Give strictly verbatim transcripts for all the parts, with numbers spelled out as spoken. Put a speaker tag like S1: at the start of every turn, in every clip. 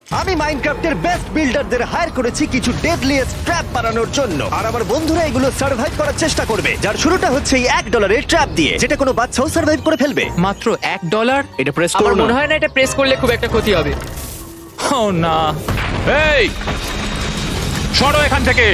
S1: আমি মাইনক্রাফটের best বিল্ডারদের higher করেছি কিছু ডেডলিয়েস্ট ট্র্যাপ বানানোর জন্য, আর আমার বন্ধুরা এগুলো সার্ভাইভ করার চেষ্টা করবে। যার শুরুটা হচ্ছে এই এক ডলারের ট্র্যাপ দিয়ে, যেটা কোনো বাচ্চাও সার্ভাইভ করে ফেলবে।
S2: মাত্র এক ডলার?
S3: এটা প্রেস
S4: আমার
S3: করো না।
S4: মনে হয় না এটা প্রেস করলে খুব একটা ক্ষতি হবে।
S2: ও না,
S5: এই সরো এখান থেকে।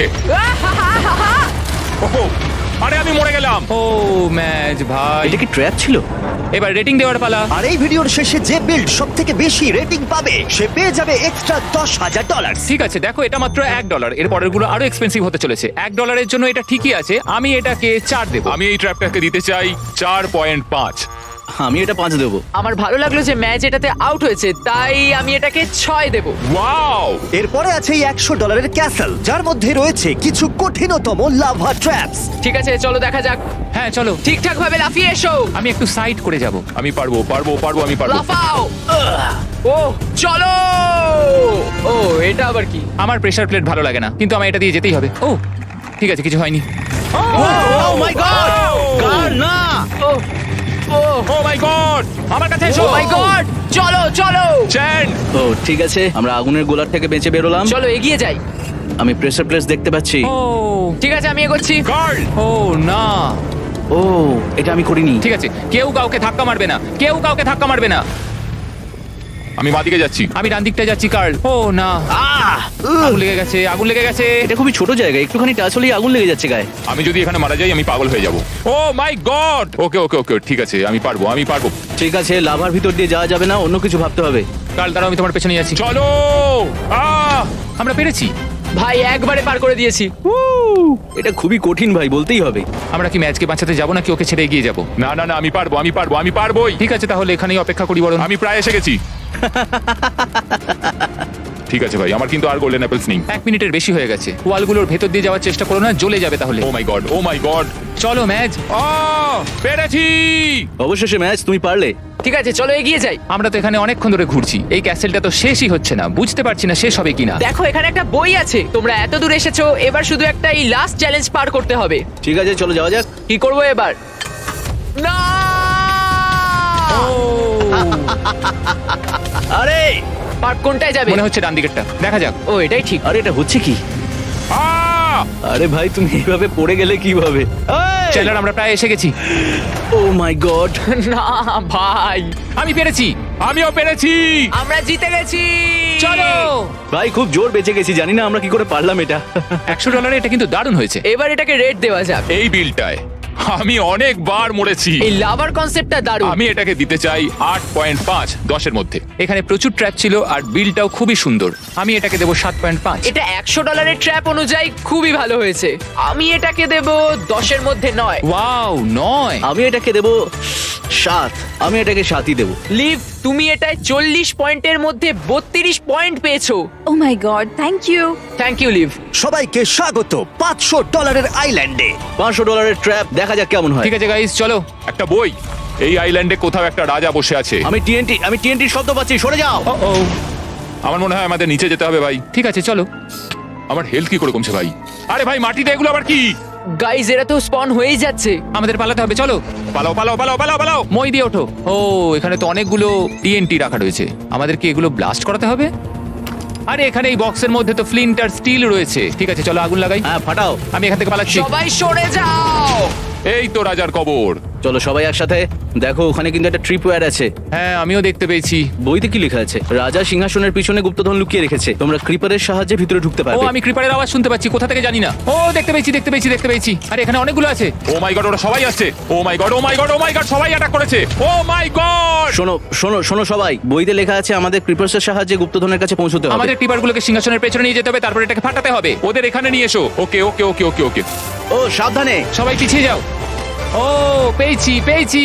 S5: ওহো, আরে আমি মরে গেলাম।
S2: ও ম্যাচ ভাই।
S3: এটা কি ট্র্যাপ ছিল?
S2: এবার রেটিং দেওয়ার পালা।
S1: আর এই ভিডিওর শেষে যে বিল্ড সব থেকে বেশি রেটিং পাবে সে পেয়ে যাবে এক্সট্রা দশ হাজার ডলার।
S2: ঠিক আছে, দেখো এটা মাত্র এক ডলার, এর পরেরগুলো আরো এক্সপেন্সিভ হতে চলেছে। এক ডলারের জন্য এটা ঠিকই আছে, আমি এটাকে চার দেবো।
S5: আমি এই ট্র্যাপটাকে দিতে চাই চার পয়েন্ট পাঁচ।
S3: আমি এটা পাঁচ দেবো।
S4: আমার ভালো লাগলো যে ম্যাচ এটাতে আউট হয়েছে, তাই আমি এটাকে ছয় দেব।
S5: ওয়াও,
S1: এরপরে আছে এই একশো ডলারের ক্যাসেল, যার মধ্যে রয়েছে কিছু কঠিনতম লাভা ট্র্যাপস।
S4: ঠিক আছে, চলো দেখা যাক।
S2: হ্যাঁ চলো,
S4: ঠিকঠাক ভাবে লাফিয়ে এসো।
S2: আমি একটু সাইড করে যাব।
S5: আমি পারবো পারবো পারবো আমি পারবো।
S4: লাফাও। ও চলো। ও এটা আবার কি?
S2: আমার প্রেসার প্লেট ভালো লাগে না, কিন্তু আমার এটা দিয়ে যেতেই হবে। ও ঠিক আছে, কিছু হয়নি।
S3: ও মাই গড! কার না!
S4: ও ও
S2: ও মাই গড, আমার কাছে এসো।
S4: ও মাই গড, চলো চলো
S5: চ্যান,
S3: ও ঠিক আছে, আমরা আগুনের গোলার থেকে বেঁচে বেরোলাম।
S4: চলো এগিয়ে যাই।
S3: আমি প্রেসার প্লেস দেখতে পাচ্ছি।
S2: ও
S4: ঠিক আছে, আমি এগোচ্ছি।
S5: গার্ল।
S2: ও না,
S3: ও এটা আমি করিনি।
S2: ঠিক আছে, কেউ কাউকে ধাক্কা মারবে না, কেউ কাউকে ধাক্কা মারবে না।
S5: আমি বাদিকে যাচ্ছি।
S2: আমি ডান দিকটা যাচ্ছি, কার্ল। ও না,
S3: আহ!
S2: আগুন লেগে গেছে, আগুন লেগে গেছে।
S3: এটা খুবই ছোট জায়গা, একটুখানি টাচ হলেই আগুন লেগে যাচ্ছে গায়ে।
S5: আমি যদি এখানে মারা যাই আমি পাগল হয়ে যাব। ও মাই গড। ওকে ওকে ওকে ঠিক আছে, আমি পারবো আমি পারবো।
S3: ঠিক আছে, লাভার ভিতর দিয়ে যাওয়া যাবে না, অন্য কিছু ভাবতে হবে।
S2: কার্ল দাঁড়াও, আমি তোমার পেছনে যাচ্ছি।
S5: চলো। আহ
S2: আমরা পেরেছি।
S4: ভাই একবারে পার করে দিয়েছি।
S3: এটা খুবই কঠিন ভাই, বলতেই হবে।
S2: আমরা কি ম্যাচকে বাঁচাতে যাবো নাকি ওকে ছেড়ে এগিয়ে যাবো?
S5: না না না, আমি পারবো আমি পারবো আমি পারবোই।
S2: ঠিক আছে, তাহলে এখানেই অপেক্ষা করি বরং।
S5: আমি প্রায় এসে গেছি। ঠিক আছে ভাই, আমার কিন্তু আর গোল্ডেন অ্যাপেলস নেই।
S2: এক মিনিটের বেশি হয়ে গেছে। ওয়ালগুলোর ভেতর দিয়ে যাওয়ার চেষ্টা করো না, জ্বলে যাবে তাহলে।
S5: Oh my god oh my god.
S2: চলো ম্যাচ।
S5: আহ পেরেছি।
S3: অবশেষে ম্যাচ, তুমি পারলে।
S4: ঠিক আছে, চলো এগিয়ে যাই।
S2: আমরা তো এখানে অনেকক্ষণ ধরে ঘুরছি, এই ক্যাসেলটা তো শেষই হচ্ছে না। বুঝতে পারছি না শেষ হবে কিনা।
S4: দেখো এখানে একটা বই আছে। তোমরা এত দূর এসেছো, এবার শুধু একটা এই লাস্ট চ্যালেঞ্জ পার করতে হবে।
S3: ঠিক আছে, চলো যাওয়া যাক।
S4: কি করব এবার? না
S3: আরে
S4: পার কোনটায় যাবে?
S2: মনে হচ্ছে ডান দিকেরটা, দেখা যাক।
S4: ও এটাই ঠিক।
S3: আরে এটা হচ্ছে কি?
S5: আহ
S3: আরে ভাই, তুমি এইভাবে পড়ে গেলে কিভাবে?
S2: চ্যানেলার আমরা প্রায় এসে গেছি।
S3: Oh my god!
S4: না ভাই,
S2: আমি পেরেছি।
S5: আমিও পেরেছি।
S4: আমরা জিতে গেছি।
S2: চলো।
S3: ভাই খুব জোর বেঁচে গেছি, জানি না আমরা কি করে পারলাম এটা।
S2: একশো ডলারে এটা কিন্তু দারুণ হয়েছে।
S4: এবার এটাকে রেট দেওয়া যাক।
S5: এই বিলটায় আমি অনেকবার মরেছি।
S4: এই লাভার কনসেপ্টটা দারুণ।
S5: আমি এটাকে দিতে চাই আট পয়েন্ট পাঁচ দশের মধ্যে।
S2: এখানে প্রচুর ট্র্যাপ ছিল আর বিলটাও খুবই সুন্দর। আমি এটাকে দেবো সাত পয়েন্ট পাঁচ।
S4: এটা একশো ডলারের ট্র্যাপ অনুযায়ী খুবই ভালো হয়েছে। আমি এটাকে দেব দশের মধ্যে নয়।
S2: ওয়াও, নয়।
S3: আমি এটাকে দেবো সাত। আমি এটাকে সাতই দেবো।
S4: লিভ, তুমি এটায় চল্লিশ পয়েন্টের মধ্যে বত্রিশ পয়েন্ট পেয়েছো।
S6: Oh my god, thank you.
S4: Thank you live.
S1: সবাইকে স্বাগত পাঁচশো ডলারের আইল্যান্ডে।
S3: পাঁচশো ডলারের ট্র্যাপ, দেখা যাক কেমন হয়।
S2: ঠিক আছে গাইস, চলো।
S5: একটা বই। এই আইল্যান্ডে কোথাও একটা রাজা বসে আছে।
S3: আমি টিএনটি আমি টিএনটির শব্দ পাচ্ছি, সরে যাও।
S2: ও
S5: আমার মনে হয় আমাদের নিচে যেতে হবে ভাই।
S2: ঠিক আছে, চলো।
S5: আমার হেলথ কি করে কমছে ভাই? আরে ভাই মাটিতে এগুলো আবার কি?
S4: গাইজ, এরা তো স্পন হয়েই যাচ্ছে।
S2: আমাদের পালাতে হবে, চলো।
S5: পালাও পালাও পালাও পালাও পালাও।
S2: মই দিয়ে ওঠো। ও এখানে তো অনেকগুলো টিএনটি রাখা রয়েছে, আমাদের কি এগুলো ব্লাস্ট করাতে হবে? আরে এখানে এই বক্সের মধ্যে তো ফ্লিন্ট আর স্টিল রয়েছে। ঠিক আছে, চলো আগুন লাগাই।
S3: হ্যাঁ, ফাটাও।
S2: আমি এখান থেকে পালাচ্ছি।
S4: সবাই সরে যাও।
S5: এই তো রাজার কবর।
S3: চলো সবাই একসাথে। দেখো ওখানে কিন্তু একটা ট্রিপওয়্যার আছে।
S2: হ্যাঁ, আমিও দেখতে পেয়েছি।
S3: বইতে কি লেখা আছে? রাজা সিংহাসনের পিছনে গুপ্তধন লুকিয়ে রেখেছে, তোমরা ক্রিপারের সাহায্যে ভিতরে ঢুকতে
S2: ও
S3: পারবে।
S2: আমি ক্রিপারের আওয়াজ শুনতে পাচ্ছি, কোথা থেকে জানি না। ও দেখতে পেয়েছি দেখতে পেয়েছি দেখতে পেয়েছি। আরে এখানে অনেকগুলো আছে।
S5: ও মাই গড, ওরা সবাই আসছে। Oh my god oh my god oh my god, সবাই অ্যাটাক করেছে। Oh my god.
S3: শোনো শোনো শোনো সবাই, বইতে লেখা আছে আমাদের ক্রিপার্সের সাহায্যে গুপ্তধনের কাছে পৌঁছতে হবে।
S2: আমাদের ক্রিপারগুলোকে সিংহাসনের পেছনে নিয়ে যেতে হবে, তারপর এটাকে ফাটাতে হবে।
S5: ওদের এখানে নিয়ে এসো। ওকে ওকে ওকে ওকে ওকে।
S3: ও সাবধানে।
S2: সবাই পিছিয়ে যাও। ও পেয়েছি পেয়েছি।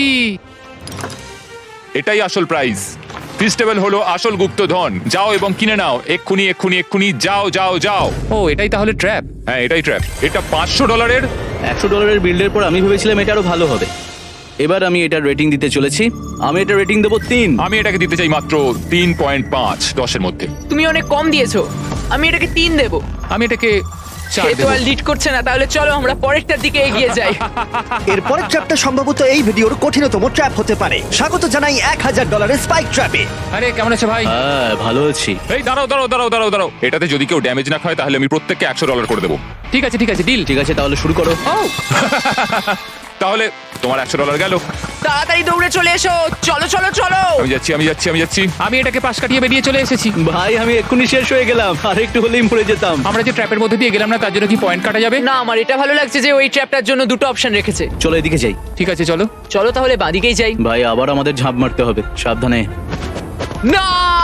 S5: এটাই আসল প্রাইজ। ফিস্টেবল হলো আসল গুপ্তধন। যাও এবং কিনে নাও এক্ষুনি এক্ষুনি এক্ষুনি, যাও যাও যাও।
S2: ও এটাই তাহলে ট্র্যাপ।
S5: হ্যাঁ এটাই ট্র্যাপ। এটা পাঁচশো ডলারের।
S3: একশো ডলারের বিল্ডের পর আমি ভেবেছিলাম এটা আরো ভালো হবে। এবার আমি এটার রেটিং দিতে চলেছি। আমি এটা রেটিং দেবো তিন।
S5: আমি এটাকে দিতে চাই মাত্র তিন পয়েন্ট পাঁচ দশের মধ্যে।
S4: তুমি অনেক কম দিয়েছো। আমি এটাকে তিন দেব।
S2: আমি এটাকে চার
S4: সে তো
S2: দেবো।
S4: আর লিড করছে না, তাহলে চলো আমরা পরেরটার দিকে এগিয়ে যাই।
S1: এর পরের ট্র্যাপটা সম্ভবত এই ভিডিওর কঠিনতম ট্র্যাপ হতে পারে। স্বাগত জানাই এক হাজার ডলারের স্পাইক ট্র্যাপে।
S2: আরে কেমন আছে ভাই?
S3: হ্যাঁ ভালো আছি।
S5: এই দাঁড়াও দাঁড়াও দাঁড়াও দাঁড়াও দাঁড়াও এটাতে যদি কেউ ড্যামেজ না খায় তাহলে আমি প্রত্যেককে একশো ডলার করে দেবো।
S2: ঠিক আছে ঠিক আছে ডিল।
S3: ঠিক আছে তাহলে শুরু করো।
S2: ও
S5: তাহলে তোমার একশো ডলার গেল।
S4: তাড়াতাড়ি দৌড়ে চলে এসো, চলো চলো চলো।
S5: আমি যাচ্ছি আমি যাচ্ছি আমি যাচ্ছি
S2: আমি এটাকে পাশ কাটিয়ে বেরিয়ে চলে এসেছি।
S3: ভাই আমি এক্ষুনি শেষ হয়ে গেলাম, আর একটু হলেই মরে যেতাম।
S2: আমরা যে ট্র্যাপের মধ্যে দিয়ে গেলাম না, তার জন্য কি পয়েন্ট কাটা যাবে?
S4: না, আমার এটা ভালো লাগছে যে ওই ট্র্যাপটার জন্য দুটো অপশন রেখেছে।
S3: চলো এদিকে যাই।
S2: ঠিক আছে চলো।
S4: চলো তাহলে বাঁদিকেই যাই।
S3: ভাই আবার আমাদের ঝাঁপ মারতে হবে, সাবধানে।
S4: না,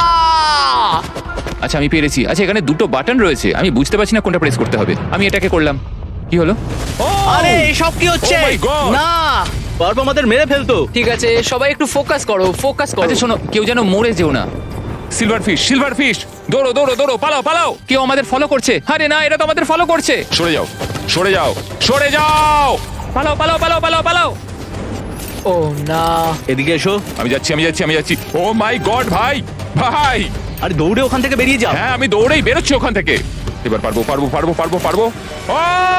S2: আচ্ছা আমি পেরেছি। আচ্ছা এখানে দুটো বাটন রয়েছে, আমি বুঝতে পারছি না কোনটা প্রেস করতে হবে। আমি এটাকে করলাম। কি হলো?
S3: আরে এসব কি হচ্ছে?
S5: Oh my God!
S3: না, পারবো আমাদের মেরে ফেলতো।
S4: ঠিক আছে সবাই একটু ফোকাস করো, ফোকাস করো।
S2: আচ্ছা শোনো, কেউ যেন মরে যেও না।
S5: সিলভার ফিশ সিলভার ফিশ দৌড়ো দৌড়ো দৌড়ো পালাও পালাও।
S2: কেউ আমাদের ফলো করছে। আরে না, এটা তো আমাদের ফলো করছে।
S5: সরে যাও সরে যাও সরে যাও।
S2: পালাও পালাও পালাও পালাও পালাও।
S4: ও না,
S3: এদিকে এসো।
S5: আমি যাচ্ছি আমি যাচ্ছি আমি যাচ্ছি। ও মাই গড ভাই ভাই।
S3: আরে দৌড়ে ওখান থেকে বেরিয়ে যাও।
S5: হ্যাঁ আমি দৌড়েই বেরোচ্ছি ওখান থেকে। এবার পারবো পারবো পারবো পারবো পারবো। ও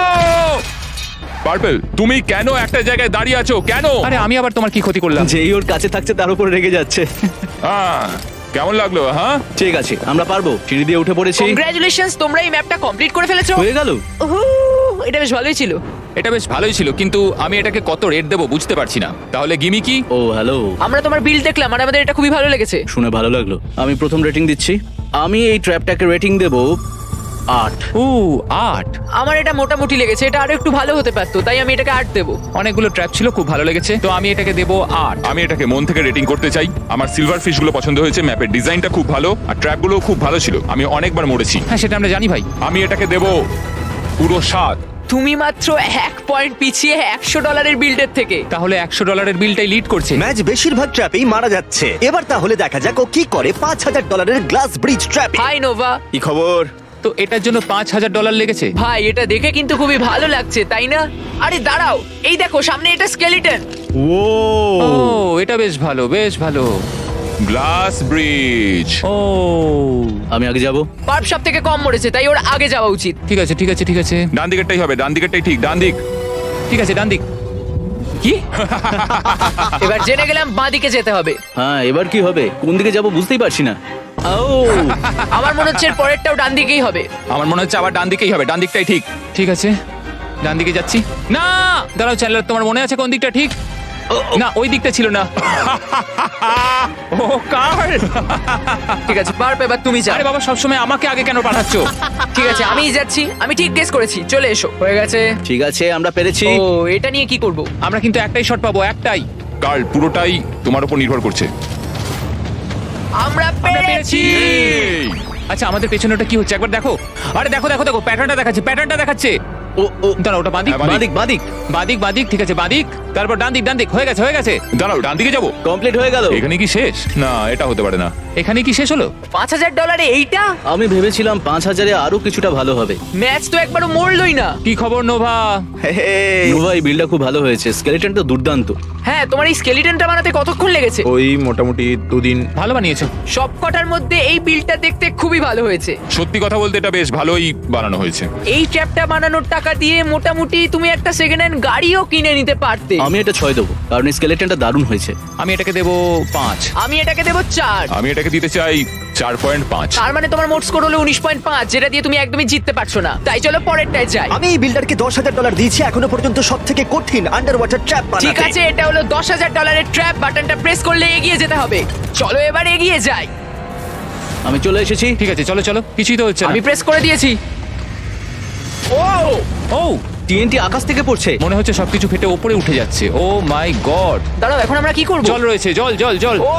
S5: পার্পল তুমি কেন একটা জায়গায় দাঁড়িয়ে আছো কেন?
S2: আরে আমি আবার তোমার কি ক্ষতি করলাম?
S3: যেই ওর কাছে থাকছে তার উপর রেগে যাচ্ছে।
S5: আহ, কেমন লাগলো হ্যাঁ?
S3: ঠিক আছে আমরা পারবো, সিঁড়ি দিয়ে উঠে পড়েছি।
S4: কংগ্রাচুলেশনস, তোমরা এই ম্যাপটা কমপ্লিট করে ফেলেছো।
S3: হয়ে গেল।
S4: উহু, এটা বেশ ভালোই ছিল।
S2: এটা বেশ ভালোই ছিল, কিন্তু আমি এটাকে কত রেট দেবো বুঝতে পারছি না। তাহলে গিমি কি?
S3: ও হ্যালো,
S4: আমরা তোমার বিল দেখলাম আর আমাদের এটা খুবই ভালো লেগেছে।
S3: শুনে ভালো লাগলো। আমি প্রথম রেটিং দিচ্ছি। আমি এই ট্র্যাপটাকে রেটিং দেবো আট।
S2: ও আট।
S4: আমার এটা মোটামুটি লেগেছে, এটা আরো একটু ভালো হতে পারতো, তাই আমি এটাকে আট দেবো।
S2: অনেকগুলো ট্র্যাপ ছিল, খুব ভালো লেগেছে, তো আমি এটাকে দেবো আট।
S5: আমি এটাকে মন থেকে রেটিং করতে চাই। আমার সিলভার ফিশ গুলো পছন্দ হয়েছে, ম্যাপের ডিজাইনটা খুব ভালো আর ট্র্যাপ গুলো খুব ভালো ছিল। আমি অনেকবার মরেছি।
S2: হ্যাঁ সেটা আমরা জানি ভাই।
S5: আমি এটাকে দেবো পুরো সাত।
S4: তুমি মাত্র এক পয়েন্ট পিছিয়ে একশো ডলারের বিল্ডের থেকে।
S2: তাহলে একশো ডলারের বিলটাই লিড করছে।
S1: ম্যাচ বেশিরভাগ ট্র্যাপেই মারা যাচ্ছে। এবার তাহলে দেখা যাক ও কি করে পাঁচ হাজার ডলারের গ্লাস ব্রিজ ট্র্যাপে।
S4: Hi Nova.
S1: কি খবর?
S2: তো এটার জন্য পাঁচ হাজার ডলার লেগেছে।
S4: ভাই এটা দেখে কিন্তু খুবই ভালো লাগছে, তাই না? আরে দাঁড়াও, এই দেখো সামনে এটা স্কেলিটন।
S3: ও
S2: ও এটা বেশ ভালো, বেশ ভালো।
S5: Glass bridge.
S2: ও
S3: আমি আগে যাব।
S4: পার্প সব থেকে কম মরেছে, তাই ওর আগে যাওয়া উচিত।
S2: ঠিক আছে ঠিক আছে ঠিক আছে
S5: ডান দিকেরটাই হবে, ডান দিকেরটাই ঠিক, ডান দিক।
S2: ঠিক আছে ডান দিক। কি?
S4: এবার জেনে গেলাম বাঁ দিকে যেতে হবে।
S3: হ্যাঁ এবার কি হবে, কোন দিকে যাব বুঝতেই পারছি না। ও
S4: আমার মনে হচ্ছে এর পরেরটাও ডান দিকেই হবে।
S2: আমার মনে হচ্ছে আবার ডান দিকেই হবে, ডান দিকটাই ঠিক। ঠিক আছে ডান দিকে যাচ্ছি। না দাঁড়াও চ্যানেলার, তোমার মনে আছে কোন দিকটা ঠিক? না ওই দিকটা ছিল না। ও কার?
S4: ঠিক আছে পার্প, এবার তুমি যাও।
S2: আরে বাবা সবসময় আমাকে আগে কেন পাঠাচ্ছ?
S4: ঠিক আছে আমিই যাচ্ছি, আমি ঠিক গেস করেছি। চলে এসো, হয়ে গেছে।
S3: ঠিক আছে আমরা পেরেছি।
S4: ও এটা নিয়ে কি করব?
S2: আমরা কিন্তু একটাই শট পাবো, একটাই।
S5: কার্ল পুরোটাই তোমার উপর নির্ভর করছে।
S4: আমরা পেরেছি।
S5: এই,
S2: আচ্ছা আমাদের পেছনে ওটা কি হচ্ছে একবার দেখো। আরে দেখো দেখো দেখো, প্যাটার্নটা দেখাচ্ছে, প্যাটার্নটা দেখাচ্ছে।
S3: ও ও
S2: দাঁড়াও ওটা বাদিক
S5: হ্যাঁ,
S3: বাদিক বাদিক
S2: বাদিক বাদিক ঠিক আছে বাদিক, তারপর ডান দিক ডান দিক। হয়ে গেছে হয়ে গেছে।
S5: দাঁড়াও ডান দিকে যাবো।
S3: কমপ্লিট হয়ে গেল।
S5: এখানে কি শেষ? না এটা হতে পারে না।
S2: এখানে কি শেষ হলো?
S4: পাঁচ হাজার ডলারে এইটা?
S3: আমি ভেবেছিলাম পাঁচ হাজারে আরো কিছুটা ভালো হবে।
S4: ম্যাচ তো একবারও মরলই না।
S2: কি খবর নোভা?
S3: নোভা এই বিলটা খুব ভালো হয়েছে, স্কেলেটন তো দুর্দান্ত।
S4: হ্যাঁ, তোমার এই স্কেলিটনটা বানাতে কতক্ষণ লেগেছে?
S7: ওই মোটামুটি দুদিন।
S2: ভালো বানিয়েছো।
S4: সব কটার মধ্যে এই বিলটা দেখতে খুবই ভালো হয়েছে।
S5: সত্যি কথা বলতে এটা বেশ ভালোই বানানো হয়েছে।
S4: এই ট্র্যাপটা বানানোর টাকা দিয়ে মোটামুটি তুমি একটা সেকেন্ড হ্যান্ড গাড়িও কিনে নিতে পারতে।
S3: আমি এটা ছয় দেবো, কারণ স্কেলেটনটা দারুণ হয়েছে।
S2: আমি এটাকে দেবো পাঁচ।
S4: আমি এটাকে দেবো চার।
S5: আমি এটাকে দিতে চাই চার পয়েন্ট পাঁচ।
S4: তার মানে তোমার মোট স্কোর হলো উনিশ পয়েন্ট পাঁচ, যেটা দিয়ে তুমি একদমই জিততে পারছো না। তাই চলো পরেরটায় যাই।
S1: আমি এই বিল্ডারকে দশ হাজার ডলার দিয়েছি এখনো পর্যন্ত সব থেকে কঠিন আন্ডার ওয়াটার ট্র্যাপ বানাতে।
S4: ঠিক আছে, এটা হলো দশ হাজার ডলারের ট্র্যাপ। বাটনটা প্রেস করলে এগিয়ে যেতে হবে। চলো এবার এগিয়ে যাই।
S3: আমি চলে এসেছি।
S2: ঠিক আছে চলো চলো, কিছুই তো হচ্ছে না।
S4: আমি প্রেস করে দিয়েছি। ও
S2: ও
S3: টিএনটি আকাশ থেকে পড়ছে।
S2: মনে হচ্ছে সবকিছু ফেটে উপরে উঠে যাচ্ছে। Oh my god.
S4: দাঁড়াও, এখন আমরা কি করব?
S2: জল রয়েছে, জল জল জল।
S4: ও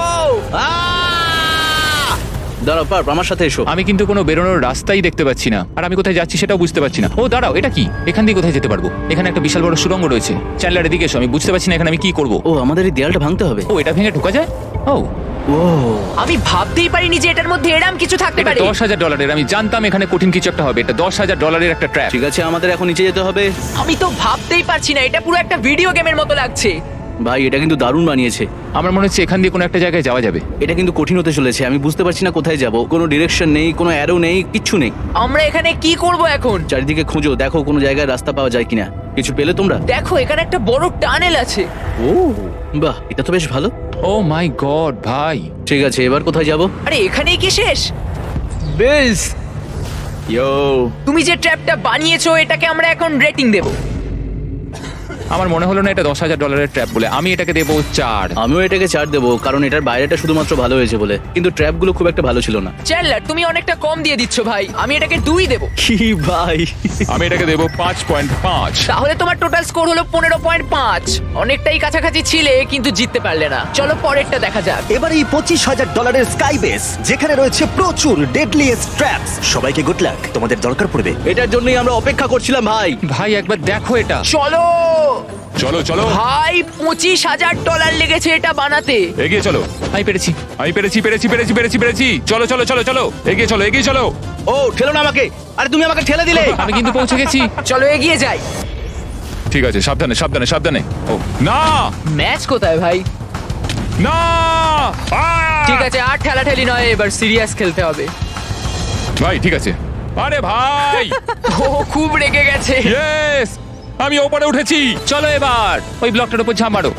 S3: দাঁড়াও পার্প আমার সাথে এসো।
S2: আমি কিন্তু কোনো বেরোনোর রাস্তাই দেখতে পাচ্ছি না, আর আমি কোথায় যাচ্ছি সেটাও বুঝতে পারছি না। ও দাঁড়াও, এটা কি? এখান দিয়ে কোথায় যেতে পারবো? এখানে একটা বিশাল বড় সুড়ঙ্গ রয়েছে। চ্যানেলার এদিকে এসো, আমি বুঝতে পারছি না এখানে আমি কি করব।
S3: ও আমাদের এই দেয়ালটা ভাঙতে হবে।
S2: ও এটা ভেঙে ঢোকা যায়? ও
S3: ও
S4: আমি ভাবতেই পারিনি যে এটার মধ্যে এরম কিছু থাকতে
S2: এটা
S4: পারে।
S2: দশ হাজার ডলারের। আমি জানতাম এখানে কঠিন কিছু একটা হবে। এটা দশ হাজার ডলারের একটা ট্র্যাপ।
S3: ঠিক আছে আমাদের এখন নিচে যেতে হবে।
S4: আমি তো ভাবতেই পারছি না, এটা পুরো একটা ভিডিও গেমের মতো লাগছে।
S3: ভাই এটা কিন্তু দারুণ বানিয়েছে।
S2: আমার মনে হচ্ছে এখান দিয়ে কোনো একটা জায়গায় যাওয়া যাবে।
S3: এটা কিন্তু কঠিন হতে চলেছে, আমি বুঝতে পারছি না কোথায় যাব। কোনো ডিরেকশন নেই, কোনো অ্যারো নেই, কিচ্ছু নেই।
S4: আমরা এখানে কি করব এখন?
S3: চারিদিকে খুঁজো, দেখো কোনো জায়গায় রাস্তা পাওয়া যায় কিনা। কিছু পেলে তোমরা?
S4: দেখো এখানে একটা বড় টানেল আছে।
S3: ও বাহ, এটা তো বেশ ভালো।
S2: ও মাই গড ভাই,
S3: ঠিক আছে, এবার কোথায় যাব?
S4: আরে এখানেই কি শেষ? বেলস,
S3: ইয়ো,
S4: তুমি যে ট্র্যাপটা বানিয়েছো এটাকে আমরা এখন রেটিং দেব।
S2: আমার মনে হলো না এটা দশ হাজার ডলারের ট্র্যাপ বলে। আমি এটাকে দেবো চার।
S3: আমিও এটাকে চার দেবো, কারণ এটার বাইরেটা শুধুমাত্র ভালো হয়েছে বলে, কিন্তু ট্র্যাপগুলো খুব একটা ভালো ছিল না।
S4: চ্যান্ডলার তুমি অনেকটা কম দিয়ে দিচ্ছ ভাই, আমি এটাকে দুই দেব।
S3: কি ভাই?
S5: আমি এটাকে দেবো পাঁচ পয়েন্ট পাঁচ।
S4: তাহলে তোমার টোটাল স্কোর হলো পনেরো পয়েন্ট পাঁচ। অনেকটাই কাছাকাছি ছিলে কিন্তু জিততে পারলে না। চলো পরেরটা দেখা যাক।
S1: এবার এই পঁচিশ হাজার ডলারের স্কাই বেস, যেখানে রয়েছে প্রচুর ডেডলিয়েস্ট ট্র্যাপস। সবাইকে গুড লাক, তোমাদের দরকার পড়বে।
S3: এটার জন্যই আমরা অপেক্ষা করছিলাম ভাই।
S2: ভাই একবার দেখো এটা।
S4: চলো
S5: চলো চলো
S4: ভাই, পঁচিশ হাজার ডলার লেগেছে এটা বানাতে।
S5: এগিয়ে চলো।
S2: আমি পেরেছি।
S5: আমি পেরেছি পেরেছি পেরেছি পেরেছি পেরেছি চলো চলো চলো চলো এগিয়ে চলো এগিয়ে চলো।
S3: ও ঠেলো না আমাকে, আরে তুমি আমাকে ঠেলে দিলে।
S2: আমি কিন্তু পৌঁছে গেছি।
S4: চলো এগিয়ে যাই।
S5: ঠিক আছে, সাবধানে সাবধানে সাবধানে। ও না
S4: ম্যাচ কোথায় ভাই?
S5: না আহ!
S4: ঠিক আছে, আর ঠেলাঠেলি নয়, এবার সিরিয়াস খেলতে হবে।
S5: ভাই ঠিক আছে। আরে ভাই
S4: ও খুব রেগে গেছে।
S5: ইয়েস, আমি ওপরে উঠেছি।
S2: চলো এবার ওই ব্লকটার উপর ঝাঁপ মারো।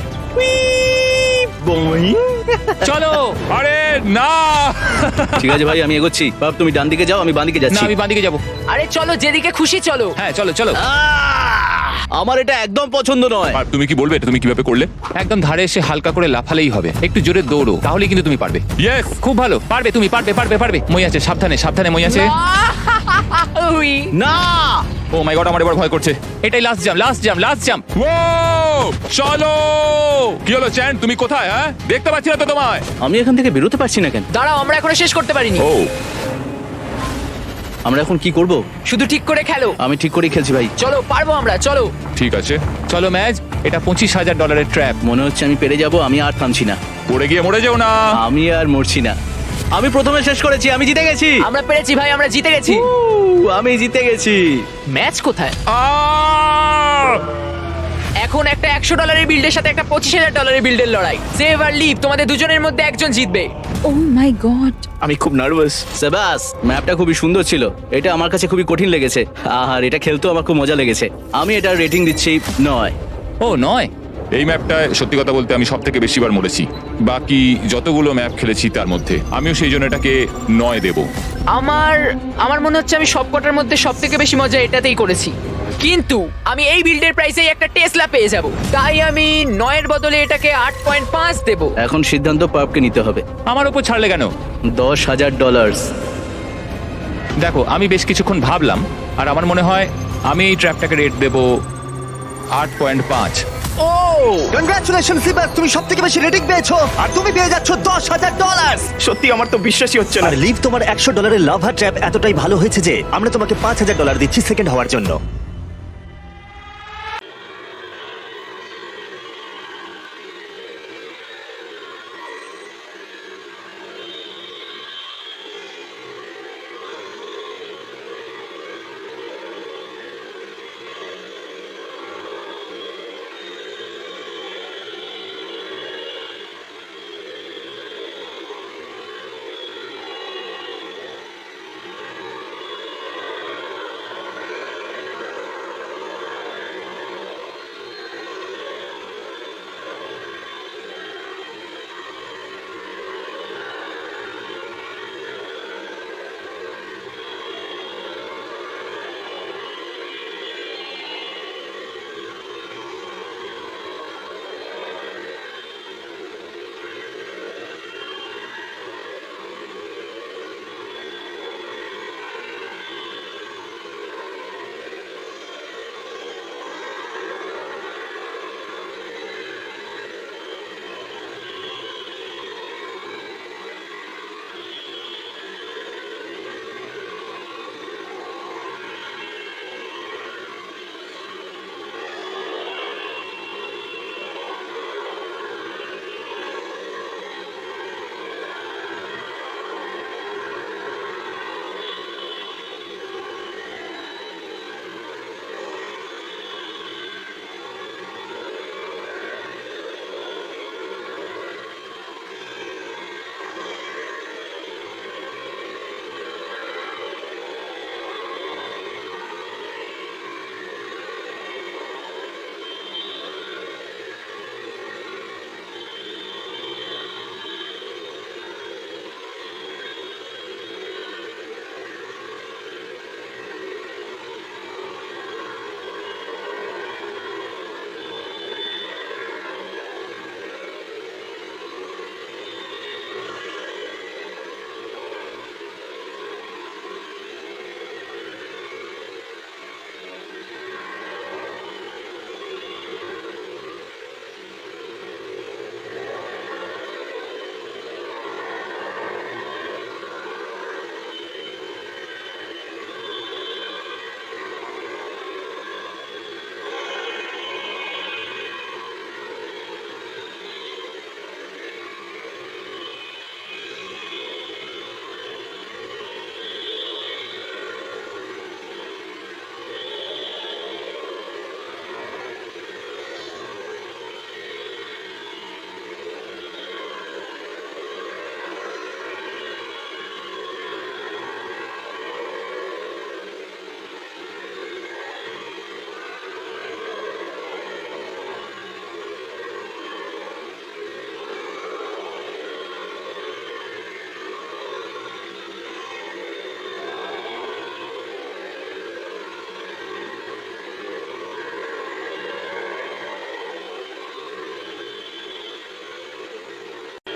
S2: চলো।
S5: আরে না
S3: ঠিক আছে ভাই, আমি এগোচ্ছি। বাপ তুমি ডান দিকে যাও, আমি বাঁ দিকে
S2: না
S3: যাচ্ছি।
S2: আমি বাঁদিকে যাবো।
S4: আরে চলো, যেদিকে খুশি চলো।
S2: হ্যাঁ চলো চলো।
S3: আহ! আমার এটা একদম পছন্দ নয়।
S5: আর তুমি কি বলবে এটা তুমি কিভাবে করলে?
S2: একদম ধারে এসে হালকা করে লাফালেই হবে। একটু জোরে দৌড়ো, তাহলেই কিন্তু তুমি পারবে।
S5: ইয়েস,
S2: খুব ভালো, পারবে তুমি, পারবে পারবে পারবে। মই আছে, সাবধানে সাবধানে মই আছে।
S4: উই।
S3: না,
S5: ও মাই গড, আমার এবার ভয় করছে।
S2: এটাই last jump, last jump, last jump.
S5: ও চলো। কি হলো চ্যান, তুমি কোথায়? হ্যাঁ দেখতে পাচ্ছি না তো তোমায়।
S3: আমি এখান থেকে বেরোতে পারছি না কেন?
S4: দাঁড়াও, আমরা এখনো শেষ করতে পারিনি।
S5: ও
S3: আমরা এখন কি করব?
S4: শুধু ঠিক করে খেলো।
S3: আমি ঠিক করেই খেলছি ভাই।
S4: চলো, পারবো আমরা, চলো।
S5: ঠিক আছে,
S2: চলো ম্যাচ, এটা পঁচিশ হাজার ডলারের ট্র্যাপ।
S3: মনে হচ্ছে আমি পেরে যাব, আমি আর থামছি না।
S5: পড়ে গিয়ে মরে যেও না।
S3: আমি আর মরছি না। আমি প্রথমে শেষ করেছি, আমি জিতে গেছি।
S4: আমরা পেরেছি ভাই, আমরা জিতে গেছি।
S3: উহ, আমি জিতে গেছি।
S4: ম্যাচ কোথায়?
S5: আহ!
S4: এখন একটা একশো ডলারের বিল্ডের সাথে একটা পঁচিশ হাজার ডলারের বিল্ডের লড়াই। সেভ আর লিভ, তোমাদের দুজনের মধ্যে একজন জিতবে।
S6: Oh my god.
S3: আমি খুব নার্ভাস। সেবাস, ম্যাপটা খুবই সুন্দর ছিল। এটা আমার কাছে খুবই কঠিন লেগেছে। আর এটা খেলতেও আমার খুব মজা লেগেছে। আমি এটার রেটিং দিচ্ছি নয়।
S2: ও নয়।
S5: এই ম্যাপটায় সত্যি কথা বলতে আমি সব থেকে বেশিবার মরেছি বাকি যতগুলো ম্যাপ খেলেছি তার মধ্যে। আমিও সেই জন্য এটাকে নয় দেব।
S4: আমার আমার মনে হচ্ছে আমি সবকটার মধ্যে সব থেকে বেশি মজা এটাতেই করেছি, কিন্তু আমি এই বিল্ডের প্রাইসেই একটা টেসলা পেয়ে যাব, তাই আমি নয়ের বদলে এটাকে আট পয়েন্ট পাঁচ দেবো।
S3: এখন সিদ্ধান্ত পাপকে নিতে হবে।
S2: আমার উপর ছাড়লে কেন?
S3: দশ হাজার ডলার।
S2: দেখো আমি বেশ কিছুক্ষণ ভাবলাম, আর আমার মনে হয় আমি এই ট্র্যাপটাকে রেট দেবো আট পয়েন্ট পাঁচ।
S1: ও কনগ্রাচুলেশন সিবাস, তুমি সবথেকে বেশি রেটিং পেয়েছো আর তুমি পেয়ে যাচ্ছ দশ হাজার ডলার।
S7: সত্যি আমার তো বিশ্বাসই হচ্ছে না।
S1: আর লিভ, তোমার একশো ডলারের লাভা ট্র্যাপ এতটাই ভালো হয়েছে যে আমরা তোমাকে পাঁচ হাজার ডলার দিচ্ছি সেকেন্ড হওয়ার জন্য।